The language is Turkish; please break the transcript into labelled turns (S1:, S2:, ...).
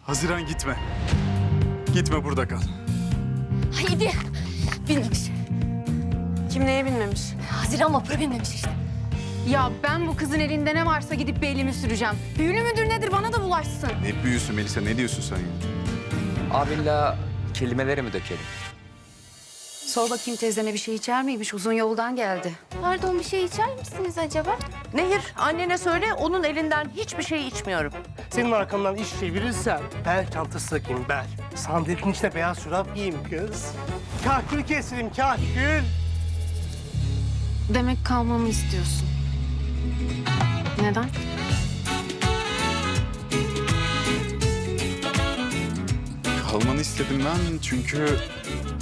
S1: Haziran gitme. Gitme, burada kal.
S2: Haydi. Bilmemiş.
S3: Kim neye bilmemiş?
S2: Haziran vapura binmemiş işte.
S3: Ya ben bu kızın elinde ne varsa gidip bir elimi süreceğim. Büyülü müdür nedir bana da bulaşsın.
S1: Ne büyüsün Melisa, ne diyorsun sen ya?
S4: Abinle kelimeleri mi dökelim?
S5: Sor bakayım teyzene bir şey içer miymiş? Uzun yoldan geldi.
S2: Pardon, bir şey içer misiniz acaba?
S6: Nehir, annene söyle onun elinden hiçbir şey içmiyorum.
S7: Senin arkamdan iş çevirirsen bel çantası takayım, bel. Sandalyenin içine beyaz çorap giyeyim kız. Kahkül keselim, kahkül.
S3: Demek kalmamı istiyorsun. Neden?
S1: Kalmanı istedim ben çünkü